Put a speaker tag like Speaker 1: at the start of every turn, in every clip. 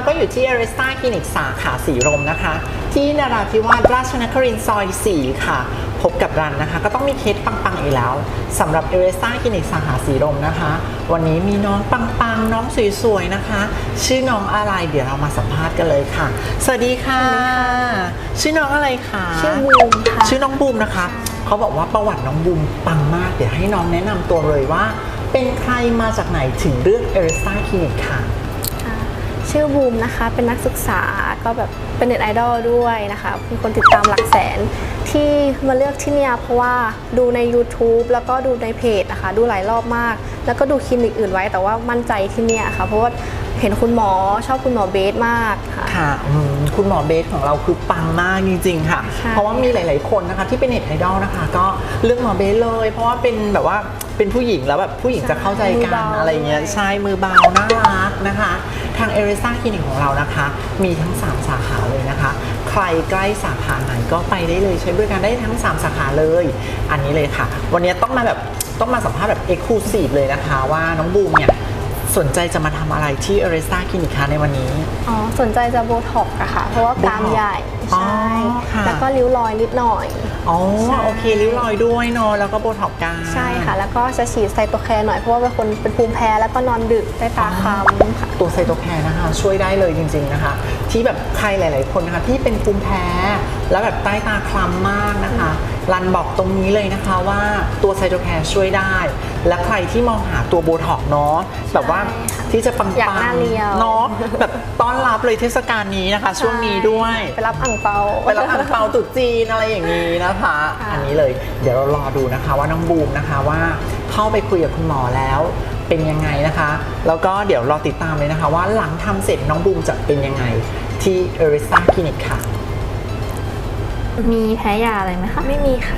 Speaker 1: ก็อยู่ที่ Arista Clinic สาขาสีลมนะคะที่นราธิวาสราชนครินทร์ซอย 4 ค่ะพบกับรันนะคะก็ต้องมีเคสปังๆอีกแล้วสำหรับ Arista Clinic สาขาสีลมนะคะวันนี้มีน้องปังๆน้องสวยๆนะคะชื่อน้องอะไรเดี๋ยวเรามาสัมภาษณ์กันเลยค่ะสวัสดีค่ะชื่อน้องอะไรคะ
Speaker 2: ชื่อบูมค่ะ
Speaker 1: ชื่อน้องบูมนะคะเขาบอกว่าประวัติน้องบูมปังมากเดี๋ยวให้น้องแนะนำตัวเลยว่าเป็นใครมาจากไหนถึงเลือก Arista Clinic ค่ะ
Speaker 2: ชื่อบูมนะคะเป็นนักศึกษาก็แบบเป็นเน็ตไอดอลด้วยนะคะเป็นคนติดตามหลักแสนที่มาเลือกที่เนี่ยเพราะว่าดูใน YouTube แล้วก็ดูในเพจนะคะดูหลายรอบมากแล้วก็ดูคลินิกอื่นไว้แต่ว่ามั่นใจที่เนี่ยค่ะเพราะว่าเห็นคุณหมอชอบคุณหมอเบสมาก
Speaker 1: ค่ะคุณหมอเบสของเราคือปังมากจริงๆค่ะเพราะว่ามีหลายๆคนนะคะที่เป็นเน็ตไอดอลนะคะก็เลือกหมอเบสเลยเพราะว่าเป็นแบบว่าเป็นผู้หญิงแล้วแบบผู้หญิงจะเข้าใจกันอะไรเงี้ยใช่มือเบาน่ารักนะคะทาง Arista Clinic ของเรานะคะมีทั้ง3สาขาเลยนะคะใครใกล้สาขาไหนก็ไปได้เลยใช้บริการได้ทั้ง3สาขาเลยอันนี้เลยค่ะวันนี้ต้องมาสัมภาษณ์แบบ Exclusive เลยนะคะว่าน้องบูมเนี่ยสนใจจะมาทำอะไรที่ Arista Clinic คะในวันนี้
Speaker 2: สนใจจะโบท็อกซ์อะค่ะเพราะว่ากรามใหญ่ใช่แล้วก็ริ้วรอยนิดหน่อย
Speaker 1: โอเคริ้วรอยด้วยเนาะแล้วก็โบท็อกซ์กัน
Speaker 2: ใช่ค่ะแล้วก็จะฉีดไซโตแคร์หน่อยเพราะว่าเป็นคนเป็นภูมิแพ้แล้วก็นอนดึกใต้ตาคล้ำค่ะ
Speaker 1: ตัวไซโตแคร์นะคะช่วยได้เลยจริงๆนะคะที่แบบใครหลายๆคนนะคะที่เป็นภูมิแพ้แล้วแบบใต้ตาคล้ำมากนะคะรันบอกตรงนี้เลยนะคะว่าตัวไซโตแคร์ช่วยได้และใครที่มองหาตัวโบท็อกซ์เนาะแบบว่าที่จะปังๆเนาะแบบต้อนรับเลยเทศกาลนี้นะคะช่วงนี้ด้วย
Speaker 2: ไปรับอั่งเปา
Speaker 1: ตรุษจีนอะไรอย่างนี้นะคะอันนี้เลยเดี๋ยวเรารอดูนะคะว่าน้องบูมนะคะว่าเข้าไปคุยกับคุณหมอแล้วเป็นยังไงนะคะแล้วก็เดี๋ยวรอติดตามเลยนะคะว่าหลังทำเสร็จน้องบูมจะเป็นยังไงที่ Arista Clinic ค่ะ
Speaker 2: มีแพ้ยาอะไรไหมคะไม่มีค่ะ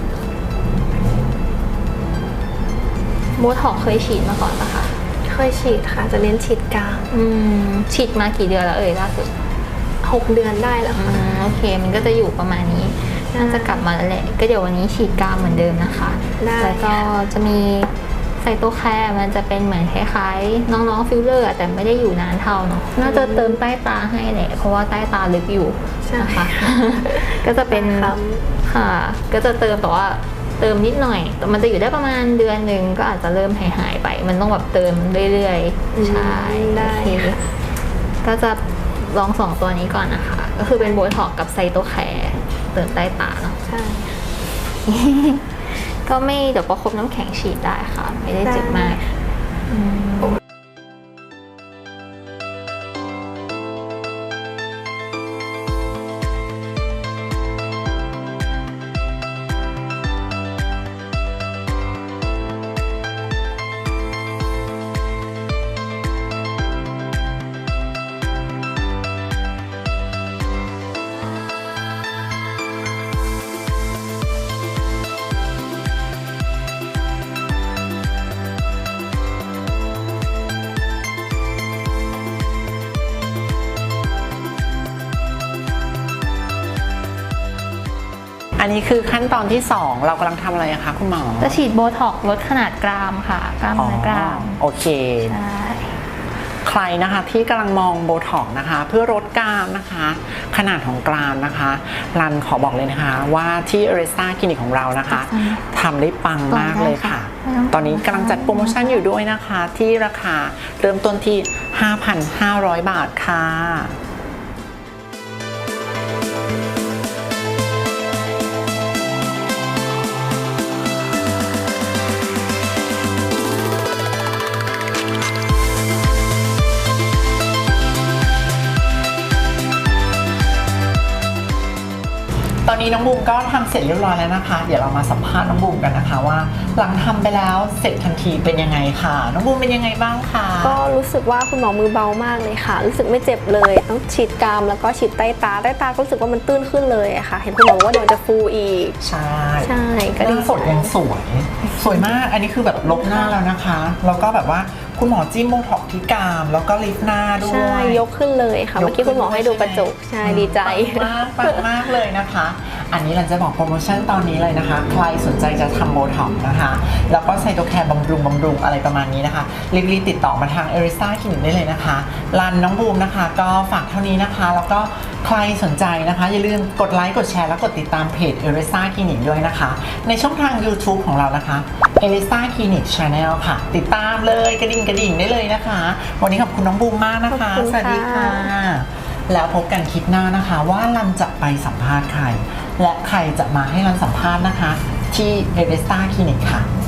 Speaker 2: โบท็อกเคยฉีดมาก่อนปะคะเคยฉีดค่ะจะเน้นฉีดกราม
Speaker 3: ฉีดมากี่เดือนแล้วล่าสุด
Speaker 2: 6 เดือนได้แล้วค่ะ
Speaker 3: โอเคมันก็จะอยู่ประมาณนี้น่าจะกลับมาแล้วแหละก็เดี๋ยววันนี้ฉีดกรามเหมือนเดิมนะคะแล้วก็จะมีไซโตแคร์มันจะเป็นเหมือนคล้ายๆน้องๆฟิลเลอร์แต่ไม่ได้อยู่นานเท่าเนาะน่าจะเติมใต้ตาให้แหละเพราะว่าใต้ตาลึกอยู่นะคะก็จะเป็นค่ะก็จะเติมแต่ว่าเติมนิดหน่อยแต่มันจะอยู่ได้ประมาณเดือนหนึ่งก็อาจจะเริ่มหายไปมันต้องแบบเติมเรื่อยๆใช่
Speaker 2: ได้
Speaker 3: ก็จะลอง2ตัวนี้ก่อนนะคะก็คือเป็นโบท็อกกับไซโตแคร์เติมใต้ตาเนาะ
Speaker 2: ใช่
Speaker 3: ก็ไม่เดี๋ยวประคบน้ำแข็งฉีดได้ค่ะไม่ได้เจ็บมาก
Speaker 1: อันนี้คือขั้นตอนที่2เรากำลังทำอะไรคะคุณหมอ
Speaker 3: จะฉีดโบท็อกลดขนาดกรามค่ะกล้ามเนื้อกราม
Speaker 1: โอเคใครนะคะที่กำลังมองโบท็อกนะคะเพื่อลดกรามนะคะขนาดของกรามนะคะรันขอบอกเลยนะคะว่าที่ Arista Clinic ของเรานะคะทำได้ปังมากเลยค่ะตอนนี้กำลังจัดโปรโมชั่นอยู่ด้วยนะคะที่ราคาเริ่มต้นที่ 5,500 บาทค่ะตอนนี้น้องบูมก็ทำเสร็จเรียบร้อยแล้วนะคะเดี๋ยวเรามาสัมภาษณ์น้องบูมกันนะคะว่าหลังทำไปแล้วเสร็จทันทีเป็นยังไงค่ะน้องบูมเป็นยังไงบ้างคะ
Speaker 2: ก็รู้สึกว่าคุณหมอมือเบามากเลยค่ะรู้สึกไม่เจ็บเลยต้องฉีดกรามแล้วก็ฉีดใต้ตาก็รู้สึกว่ามันตื้นขึ้นเลยค่ะเห็นคุณหมอว่าเดี๋ยวจะฟูอีก
Speaker 1: ใช่
Speaker 2: ก็
Speaker 1: ดีสดยังสวยมากอันนี้คือแบบลบหน้าแล้วนะคะแล้วก็แบบว่าคุณหมอจิ้มโบท็อกที่กรามแล้วก็ลิฟต์หน้าด้วย
Speaker 2: ใช่ยกขึ้นเลยค่ะเมื่อกี้คุณหมอให้ดูกระจกใช่ดีใจ
Speaker 1: ปังมากเลยนะคะอันนี้เราจะบอกโปรโมชั่นตอนนี้เลยนะคะใครสนใจจะทำโบท็อกซ์นะคะแล้วก็ไซโตแคร์บำรุงอะไรประมาณนี้นะคะรีบติดต่อมาทางเอริซ่าคลินิกได้เลยนะคะรันน้องบูมนะคะก็ฝากเท่านี้นะคะแล้วก็ใครสนใจนะคะอย่าลืมกดไลค์กดแชร์และกดติดตามเพจเอริซ่าคลินิกด้วยนะคะในช่องทาง YouTube ของเรานะคะเอริซ่าคลินิก Channel ค่ะติดตามเลยกระดิ่งได้เลยนะคะวันนี้ขอบคุณน้องบูมมากนะคะ
Speaker 2: ขอบคุณ
Speaker 1: สวัสดีค่ะ
Speaker 2: ค่ะ
Speaker 1: แล้วพบกันคลิปหน้านะคะว่ารันจะไปสัมภาษณ์ใครและใครจะมาให้รันสัมภาษณ์นะคะที่เอริซ่าคลินิกค่ะ